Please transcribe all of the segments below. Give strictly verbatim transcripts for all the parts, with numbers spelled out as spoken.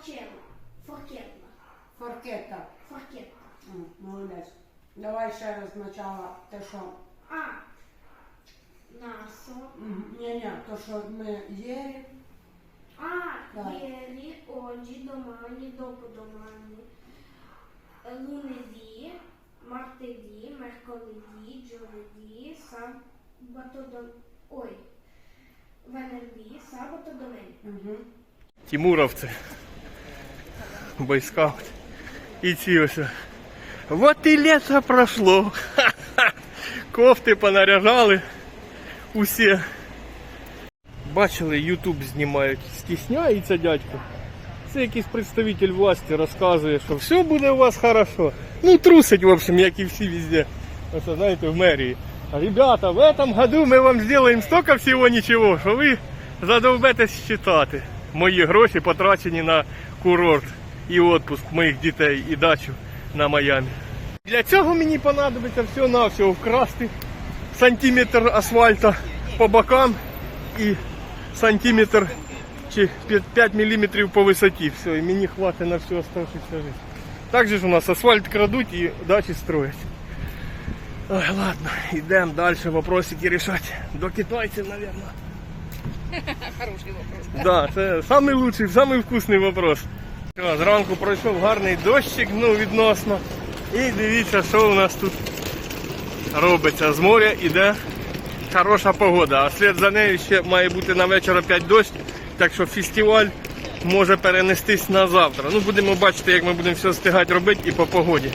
Форчелла. Форкетла. Форкета. Форкетла. М, Молодець. Давай ще раз спочатку те, що... А. Насо. Ні-ні, то, що ми їли. Ah, Vai. ieri, oggi, domani, dopodomani, eh, lunedì, martedì, mercoledì, giovedì, sabato, dom- oi, venerdì, sabato, domenica. Угу. Тимуровці, бойскаут. І ці ось. Вот і літо пройшло. Ха-ха. Кофти понаряжали усі. Бачили, ютуб знімають. Стісняється дядько. Це якийсь представитель власті розказує, що все буде у вас хорошо. Ну трусить, в общем, як і всі везде. Ось, знаєте, в мерії. Ребята, в этом году ми вам зробимо столько всього нічого, що ви задовбетесь читати. Мої гроші потрачені на курорт і відпуск моїх дітей і дачу на Майамі. Для цього мені понадобиться всього-навсього вкрасти сантиметр асфальта по бокам і сантиметр чи п'ять міліметрів по висоті. Все, і мені хватить на всю оставшуюся життя. Так же ж у нас асфальт крадуть і дачі строять. Ой, ладно, йдемо далі вопросики рішати. До китайців, мабуть. Хороший вопрос. Да, це самий лучший, самий вкусний вопрос. Що, зранку пройшов гарний дощик, ну, відносно. І дивіться, що у нас тут робиться. З моря іде хороша погода, а слід за нею ще має бути на вечір опять дощ, так що фестиваль може перенестись на завтра. Ну, будемо бачити, як ми будемо все встигати робити і по погоді.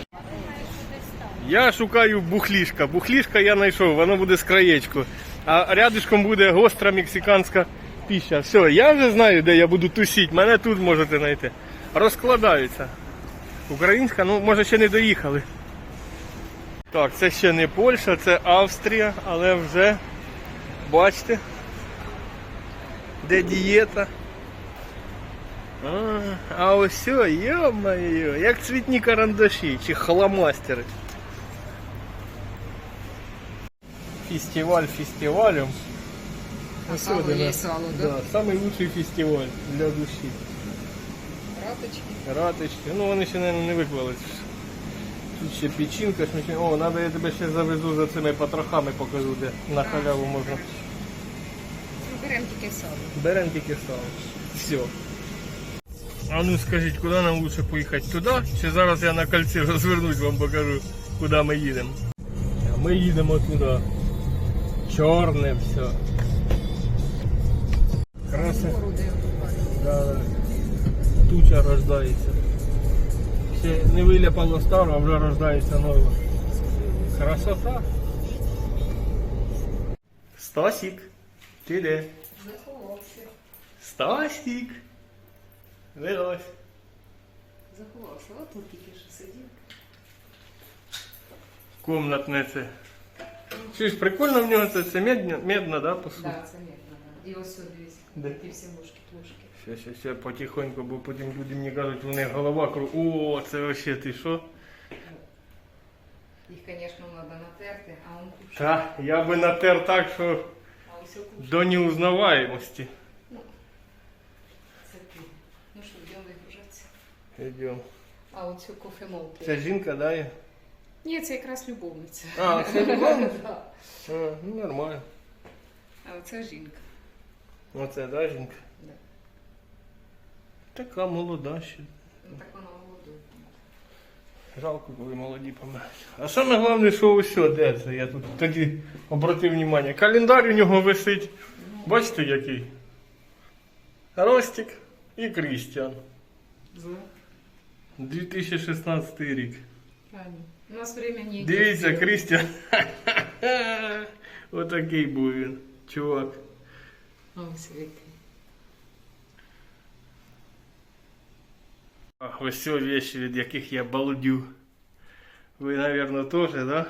Я шукаю бухлішка. Бухлішка я знайшов, воно буде з краєчку. А рядышком буде гостра мексиканська піща. Все, я вже знаю, де я буду тусити. Мене тут можете знайти. Розкладаються. Українська, ну, може, ще не доїхали. Так, це ще не Польща, це Австрія, але вже, бачите, де дієта. А, а ось все, йо-моє, як цвітні карандаші чи хламастери. Фестиваль фестивалем. А сало є сало, да? Да, самый лучший фестиваль для душі. Раточки. Раточки, ну вони ще, мабуть, не виклались. Тут ще печінка, шмачна. О, треба я тебе ще завезу за цими потрохами, покажу, де на халяву можна. Беремо тільки сало. Беремо тільки сало. Все. А ну скажіть, куди нам лучше поїхати? Туди? Чи зараз я на кольці розвернусь, вам покажу, куди ми їдемо? Ми їдемо туди. Чорне все. Краса. Да, да. Туча рождається. Ще не виляпало старо, а вже рождається нове. Красота. Стасік, ти де? Заховався. Стасік. Вилазь. Заховався. От тут тільки що сидів. Комнатне це. Чуєш, прикольно в нього це, це медна, медна, да, посуда? Так, це м'ятно. І ось сюди дивись. Де? Ті всі ложки, плошки. Ще, ще, ще потихоньку, бо потім люди мені кажуть, у них голова кру. О, це вообще ти що? Їх, звісно, треба натерти, а он кушає. Та, я би натер так, що А ось кушає. до неузнаваємості. Це ти. Ну що, йдемо вигружатися. Йдемо. А оцю кофемолку. Це жінка, да? є? Ні, це якраз любовниця. А, це любовниця? Да. А, ну нормально. А оце жінка. Оце, да, жінка? Да. Така молода ще. Ну так вона голодує. Жалко, коли молоді помирають. А саме головне, що усе, де це? Я тут тоді обратив увагу. Календар у нього висить. Бачите, який? Ростик і Крістіан. дві тисячі шістнадцятий рік. Правильно. У нас время не Дивіться, Крістіан. Отакий був він, чувак. Ось який. Ах, ось ці вещи, від яких я балдю. Ви, мабуть, теж, да?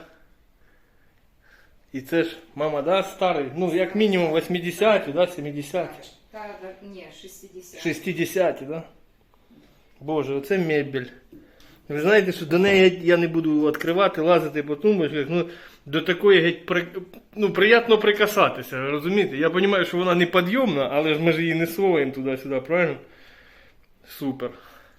І це ж, мама, да, старий? Ну, як мінімум вісімдесяті, да, сімдесяті? Так, так, ні, шістдесят. шістдесяті, да? Боже, оце мебель. Ви знаєте, що до неї я не буду відкривати, лазити по тумбочках, ну, до такої геть, при... ну, приємно прикасатися, розумієте? Я розумію, що вона не підйомна, але ж ми ж її не соваємо туди-сюди, правильно? Супер.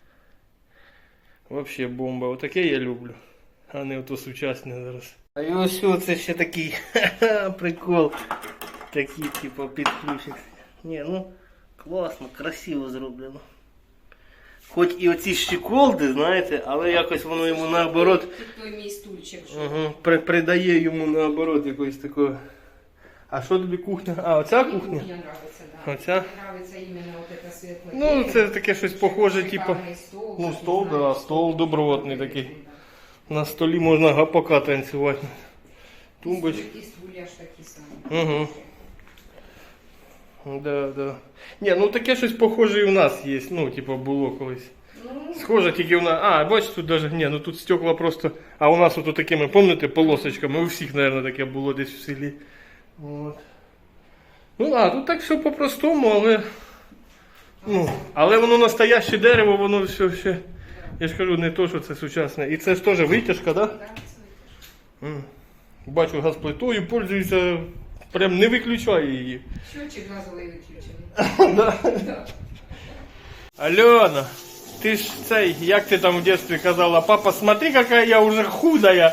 Вообще бомба. Отаке я люблю. А не ото сучасне зараз. А і ось це ще такий прикол. Такий, типу, підключик. Ні, ну, класно, красиво зроблено. Хоч і оці щеколди, знаєте, але якось воно йому наоборот. Тут той мій стульчик. Угу, при, придає йому наоборот якось такого. А що тобі кухня? А, оця Мені кухня? кухня нравиться, да. Оця? Мені нравиться іменно от це світло. Ну, це таке щось похоже, типу. Шикарний стол. Ну, так, стол, не да, знаю, стол добротний да. такий. На столі можна гапака танцювати. Тумбочка. І стулья ж такі самі. Угу. Да, да. Ні, ну таке щось похоже і у нас є. Ну, типу, було колись. Ну, Схоже, тільки у нас. А, бачиш, тут даже. Ні, ну тут стекла просто. А у нас ото такими, пам'ятаєте, полосочками. У всіх, мабуть, таке було десь в селі. От. Ну, а, тут так все по-простому, але. Ну, але воно настояще дерево, воно все ще. Я ж кажу, не то, що це сучасне. І це ж теж витяжка, так? Да? да, це М. Бачу, газплитою пользується, прям не виключає її. Счетчик газовий виключений. Да. Да. Альона, ти ж цей, як ти там в дитинстві казала, папа, смотри, яка я вже худая.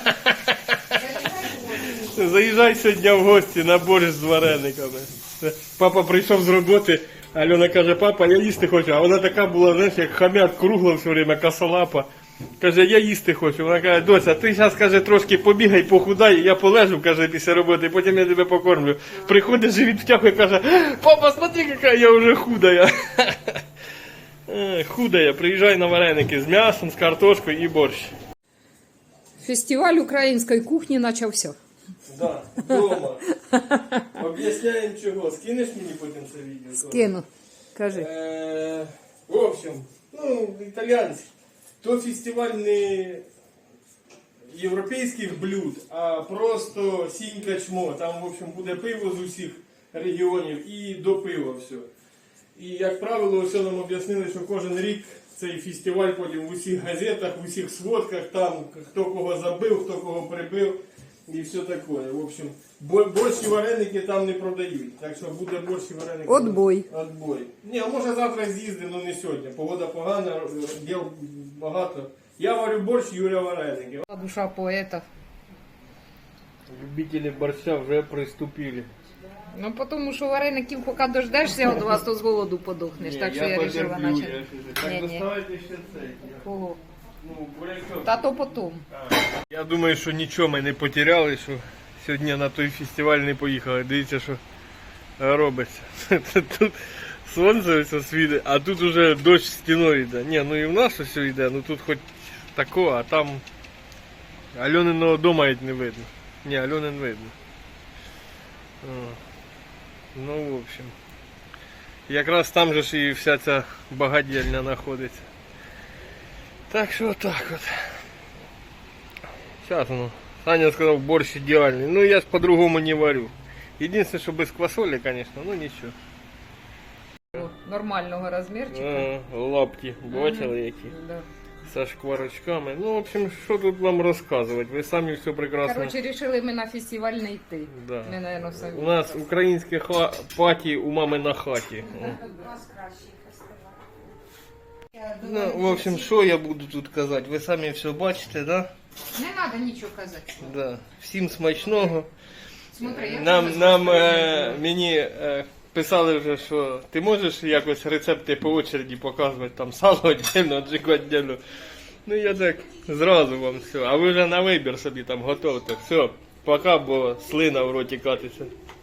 Заїжджай сьогодні в гості на борщ з варениками. Папа прийшов з роботи, Альона каже, папа, я їсти хочу. А вона така була, знаєш, як хам'ят кругла все время, косолапа. Каже, я їсти хочу. Вона каже, доця, ти зараз, каже, трошки побігай, похудай, я полежу, каже, після роботи, потім я тебе покормлю. Приходить, живіт втягує, каже, папа, смотри, яка я вже худая. Е, Худая, приїжджай на вареники з м'ясом, з картошкою і борщ. Фестиваль української кухні почався. Да, дома. Об'ясняємо чого. Скинеш мені потім це відео? Скину. Кажи. Е, в общем, ну, італіянський. То фестиваль не європейських блюд, а просто сінька чмо. Там, в общем, буде пиво з усіх регіонів і до пива все. І, як правило, все нам об'яснили, що кожен рік цей фестиваль потім в усіх газетах, в усіх сводках, там хто кого забив, хто кого прибив і все таке. В общем, бо- борщ і вареники там не продають. Так що буде борщ і вареники. Отбой. Отбой. Ні, а може завтра з'їздимо, але не сьогодні. Погода погана, діл багато. Я варю борщ, Юля вареники. Душа поета. Любителі борща вже приступили. Ну, тому що вареників, поки дождешся від вас, то з голоду подохнеш. Так що я вирішила почати. Так, Ні-ні. доставайте ще цей. Кого? Ну, бурячок. Та то потім. Я думаю, що нічого ми не потеряли, що сьогодні на той фестиваль не поїхали. Дивіться, що робиться. Тут сонце ось світить, а тут уже дощ стіною йде. Ні, ну і в нас ось йде, ну тут хоч тако, а там Альониного дома навіть не видно. Ні, Альони не видно. О. Ну, в общем. Якраз там же ж і вся ця багадільня знаходиться. Так що так от. Зараз, ну, Саня сказав, борщ ідеальний. Ну я ж по-другому не варю. Єдине, що без квасолі, звісно, ну нічого. Нормального розмірчика. А, лапті, бачили які? Да. Со шкварочками. Ну, в общем, що тут вам розказувати? Ви самі все прекрасно. Коротше, вирішили ми на фестиваль не йти. Да. Ми, наверное, самі. У нас українське ха... паті у мами на хаті. О. Ну, в общем, що я буду тут казати? Ви самі все бачите, да? Не треба нічого казати. Да. Всім смачного. Смотри, я Нам, тебе нам скажу. е, мені е, писали вже, що ти можеш якось рецепти по очереді показувати, там сало віддільно, джику віддільно. Ну я так зразу вам все. А ви вже на вибір собі там готовте. Все, пока, бо слина в роті катиться.